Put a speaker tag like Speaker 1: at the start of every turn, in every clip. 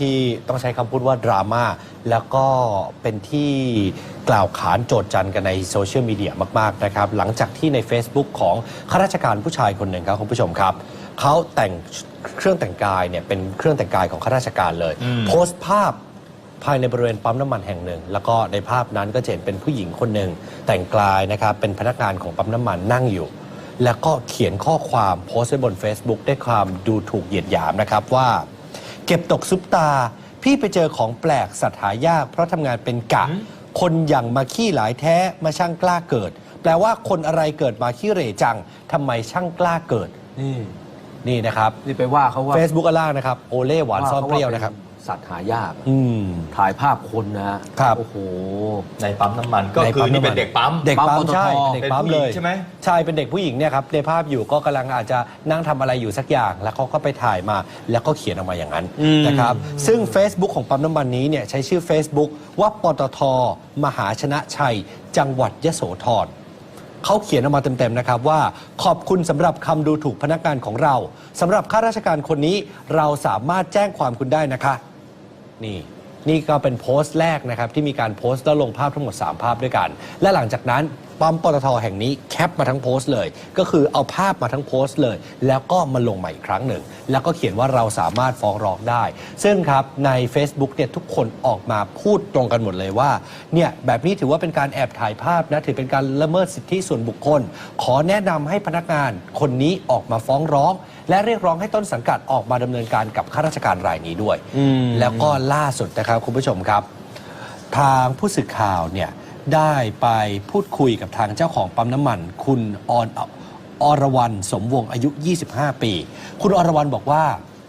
Speaker 1: ที่ต้องใช้คำพูดว่าดราม่าแล้วก็เป็นที่กล่าวขานโจษจันกันในโซเชียลมีเดียมากๆนะครับหลังจากที่ใน Facebook ของข้าราชการผู้ชายคนหนึ่งครับคุณผู้ชมครับเขาแต่งเครื่องแต่งกายเนี่ยเป็นเครื่องแต่งกายของข้าราชการเลยโพสต์ภาพภายในบริเวณปั๊มน้ำมันแห่งหนึ่งแล้วก็ในภาพนั้นก็จะเห็นเป็นผู้หญิงคนหนึ่งแต่งกายนะครับเป็นพนักงานของปั๊มน้ำมันนั่งอยู่แล้วก็เขียนข้อความโพสต์ไว้บน Facebook ด้วยความดูถูกเหยียดหยามนะครับว่าเก็บตกซุปตาพี่ไปเจอของแปลกสัตว์หายากเพราะทำงานเป็นกะคนอย่างมาขี้หลายแท้มาช่างกล้าเกิดแปลว่าคนอะไรเกิดมาขี้เหร่จังทำไมช่างกล้าเกิดนี่นะครับ
Speaker 2: นี่ไปว่าเขาว่า
Speaker 1: Facebook อันล่างนะครับโอเล่หวานซ่อนเปรี้ยวนะครับ
Speaker 2: สัตว์หายากถ่ายภาพคนนะครับโอ้โห
Speaker 3: ในปั๊มน้ำมันก็คือนี่เป็นเด็กปั๊ม
Speaker 1: ใช่เด็กปั๊มเลย
Speaker 3: ใช่ไหม
Speaker 1: ใช่เป็นเด็กผู้หญิงเนี่ยครับในภาพอยู่ก็กำลังอาจจะนั่งทำอะไรอยู่สักอย่างแล้วเขาก็ไปถ่ายมาแล้วก็เขียนออกมาอย่างนั้นนะครับซึ่ง Facebook ของปั๊มน้ำมันนี้เนี่ยใช้ชื่อ Facebook ว่าปตท.มหาชนะชัยจังหวัดยโสธรเขาเขียนออกมาเต็มๆนะครับว่าขอบคุณสำหรับคำดูถูกพนักงานของเราสำหรับข้าราชการคนนี้เราสามารถแจ้งความคุณได้นะคะนี่ก็เป็นโพสต์แรกนะครับที่มีการโพสต์แล้วลงภาพทั้งหมด3ภาพด้วยกันและหลังจากนั้นปั๊มปตท.แห่งนี้แคปมาทั้งโพสต์เลยก็คือเอาภาพมาทั้งโพสต์เลยแล้วก็มาลงใหม่อีกครั้งหนึ่งแล้วก็เขียนว่าเราสามารถฟ้องร้องได้ซึ่งครับใน Facebook เนี่ยทุกคนออกมาพูดตรงกันหมดเลยว่าเนี่ยแบบนี้ถือว่าเป็นการแอบถ่ายภาพนะถือเป็นการละเมิดสิทธิส่วนบุคคลขอแนะนำให้พนักงานคนนี้ออกมาฟ้องร้องและเรียกร้องให้ต้นสังกัดออกมาดำเนินการกับข้าราชการรายนี้ด้วยแล้วก็ล่าสุดนะครับคุณผู้ชมครับทางผู้สื่อข่าวเนี่ยได้ไปพูดคุยกับทางเจ้าของปั๊มน้ำมันคุณอรวรรณสมวงอายุ25ปีคุณอรวรรณบอกว่า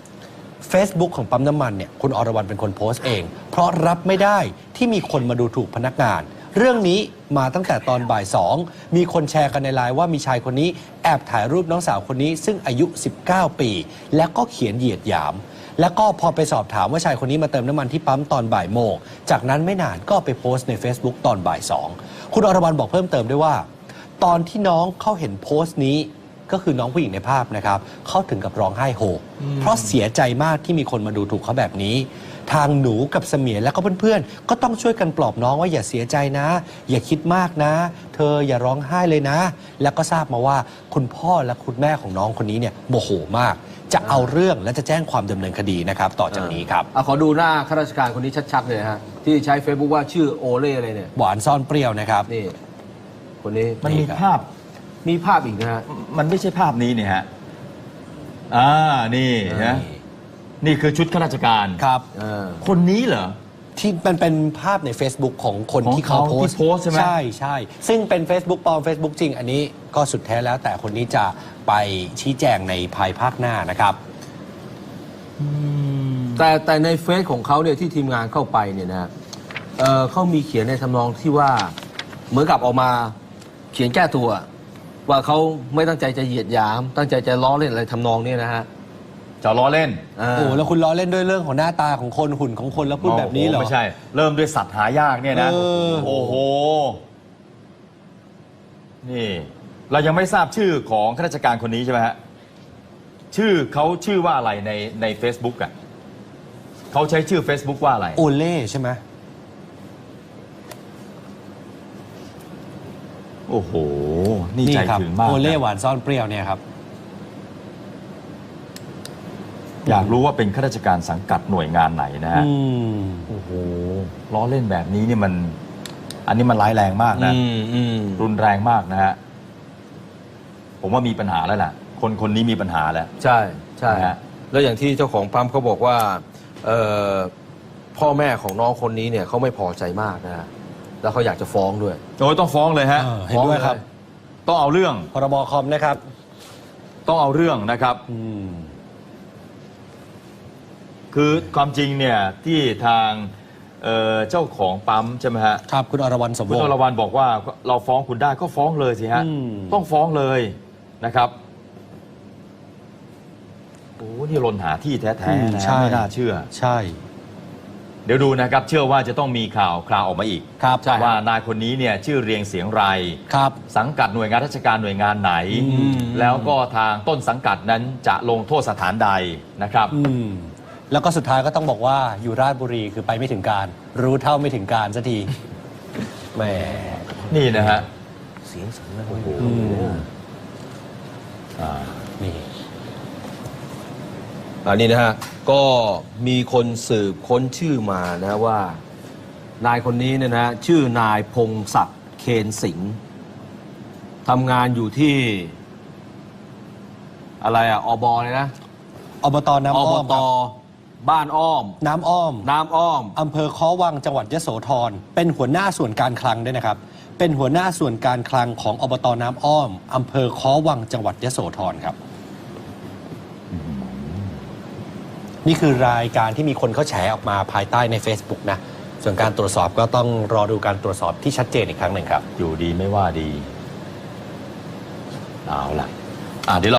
Speaker 1: Facebook ของปั๊มน้ำมันเนี่ยคุณอรวรรณเป็นคนโพสต์เองเพราะรับไม่ได้ที่มีคนมาดูถูกพนักงานเรื่องนี้มาตั้งแต่ตอนบ่าย2มีคนแชร์กันในไลน์ว่ามีชายคนนี้แอบถ่ายรูปน้องสาวคนนี้ซึ่งอายุ19ปีแล้วก็เขียนเหยียดหยามแล้วก็พอไปสอบถามว่าชายคนนี้มาเติมน้ำมันที่ปั๊มตอนบ่ายโมงจากนั้นไม่นานก็ไปโพสต์ใน Facebook ตอนบ่าย2คุณอรวรรณบอกเพิ่มเติมด้วยว่าตอนที่น้องเขาเห็นโพสต์นี้ก็คือน้องผู้หญิงในภาพนะครับเขาถึงกับร้องไห้โฮเพราะเสียใจมากที่มีคนมาดูถูกเขาแบบนี้ทางหนูกับเสมียนและก็เพื่อนๆก็ต้องช่วยกันปลอบน้องว่าอย่าเสียใจนะอย่าคิดมากนะเธออย่าร้องไห้เลยนะแล้วก็ทราบมาว่าคุณพ่อและคุณแม่ของน้องคนนี้เนี่ยโมโหมากจะเอาเรื่องและจะแจ้งความดำเนินคดีนะครับต่อจากนี้ครับ
Speaker 2: ขอดูหน้าข้าราชการคนนี้ชัดๆเลยฮะที่ใช้ Facebook ว่าชื่อโอเล่อะไรเนี่ย
Speaker 1: หวานซ่อนเปรี้ยวนะครับ
Speaker 2: นี่คนนี้
Speaker 3: มันมีภาพ
Speaker 2: อีกนะฮะ
Speaker 3: มันไม่ใช่ภาพนี้เนี่ยฮะนี่นะนี่คือชุดข้าราชการ
Speaker 1: ครับ
Speaker 3: คนนี้เหรอ
Speaker 1: ที่เป็นภาพใน Facebook ของคนที่เขาโพสต์
Speaker 3: ใช่ไหม
Speaker 1: ใช่ซึ่งเป็น Facebook ปลอม Facebook จริงอันนี้ก็สุดแท้แล้วแต่คนนี้จะไปชี้แจงในภายภาคหน้านะครับ
Speaker 2: แต่ในเฟซของเขาเนี่ยที่ทีมงานเข้าไปเนี่ยนะเขามีเขียนในทำนองที่ว่าเหมือนกับออกมาเขียนแก้ตัวว่าเขาไม่ตั้งใจจะเหยียดหยามตั้งใจจะล้อเล่นอะไรทำนองนี้นะฮะ
Speaker 3: จะล้อเล่น
Speaker 1: แล้วคุณล้อเล่นด้วยเรื่องของหน้าตาของคนหุ่นของคนแล้วพูดแบบนี้เหรอ
Speaker 3: ไม่ใช่เริ่มด้วยสัตว์หายากเนี่ยนะโอ้โหนี่เรายังไม่ทราบชื่อของข้าราชการคนนี้ใช่ไหมฮะเขาชื่อว่าอะไรใน Facebook อ่ะเขาใช้ชื่อ Facebook ว่าอะไร
Speaker 1: โอเล่ใช่ไหม
Speaker 3: โอ้โหนี่ใจถึงมาก
Speaker 1: โอเล่หวานซ่อนเปรี้ยวเนี่ยครับ
Speaker 3: อยากรู้ว่าเป็นข้าราชการสังกัดหน่วยงานไหนนะฮะโอ้โหล้อเล่นแบบนี้นี่อันนี้มันร้ายแรงมากนะรุนแรงมากนะฮะผมว่ามีปัญหาแล้วล่ะคนนี้มีปัญหาแล้ว
Speaker 2: ใช่ฮะแล้วอย่างที่เจ้าของปั๊มเขาบอกว่าพ่อแม่ของน้องคนนี้เนี่ยเขาไม่พอใจมากนะฮะแล้วเขาอยากจะฟ้องด้วย
Speaker 3: ต้องฟ้องเลยฮะ
Speaker 1: เห็นด้วยครับ
Speaker 3: ต้องเอาเรื่อง
Speaker 1: พรบคอมนะครับ
Speaker 3: ต้องเอาเรื่องนะครับคือความจริงเนี่ยที่ทางเจ้าของปั๊มใช่ไหมฮะ
Speaker 1: ครับคุณอรวรรณสมวง
Speaker 3: คุณอรวรรณบอกว่าเราฟ้องคุณได้ก็ฟ้องเลยสิฮะต้องฟ้องเลยนะครับโอ้นี่หล่นหาที่แท้ๆนะไม่น่าเชื่อ
Speaker 1: ใช่
Speaker 3: เดี๋ยวดูนะครับเชื่อว่าจะต้องมีข่าวออกมาอีกว่านายคนนี้เนี่ยชื่อเรียงเสียงไรสังกัดหน่วยงานราชการหน่วยงานไหนแล้วก็ทางต้นสังกัดนั้นจะลงโทษสถานใดนะครับ
Speaker 1: แล้วก็สุดท้ายก็ต้องบอกว่าอยู่ราชบุรีคือไปไม่ถึงการ รู้เท่าไม่ถึงการสักทีแหม
Speaker 3: นี่นะฮะ
Speaker 2: เสียงสั่นนะโอ้โห
Speaker 1: นี่
Speaker 2: อันนี้นะฮะก็มีคนสืบค้นชื่อมานะว่านายคนนี้เนี่ยนะชื่อนายพงศักดิ์เคนสิงห์ทำงานอยู่ที่อะไรอ่ะอบเลยนะ
Speaker 1: อบตน้ำ
Speaker 2: อ
Speaker 1: อ้
Speaker 2: บ
Speaker 1: อม
Speaker 2: ต
Speaker 1: ครับ
Speaker 2: บ้านอ้อม
Speaker 1: น้ำอ้อม
Speaker 2: น้ำอ้อม
Speaker 1: อำเภอค้อวังจังหวัดยโสธรเป็นหัวหน้าส่วนการคลังด้วยนะครับ เป็นหัวหน้าส่วนการคลังของอบตน้ำอ้อมอำเภอค้อวังจังหวัดยโสธรครับ นี่คือรายการที่มีคนเขาแฉออกมาภายใต้ใน Facebook นะ ส่วนการตรวจสอบก็ต้องรอดูการตรวจสอบที่ชัดเจนอีกครั้งหนึ่งครับ
Speaker 3: อยู่ดีไม่ว่าดี เอาล่ะเดี๋ยว